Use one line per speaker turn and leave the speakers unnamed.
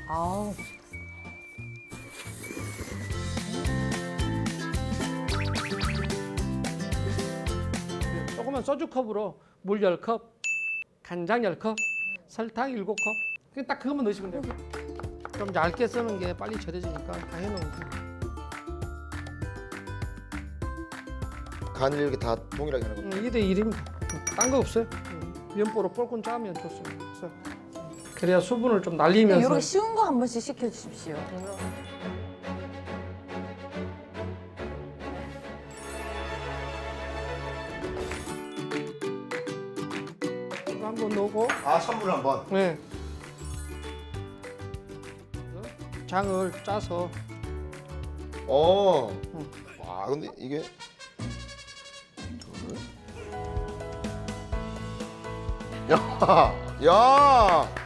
아우.
조그만 소주컵으로 물 10컵, 간장 10컵, 설탕 7컵. 그냥 딱 그것만 넣으시면 돼요. 좀 얇게 쓰는 게 빨리 절여지니까 다 해놓은 거.
간을 이렇게 다 동일하게 하는 겁니다.
2대 1입니다. 딴 거 없어요. 면보로 뻘건 짜면 좋습니다. 그래서 그래야 수분을 좀 날리면서.
이렇게 쉬운 거 한 번씩 시켜주십시오.
이거 한번 넣고,
아, 선물 한번.
네. 장을 짜서
어. 와, 근데 이게 야, 야.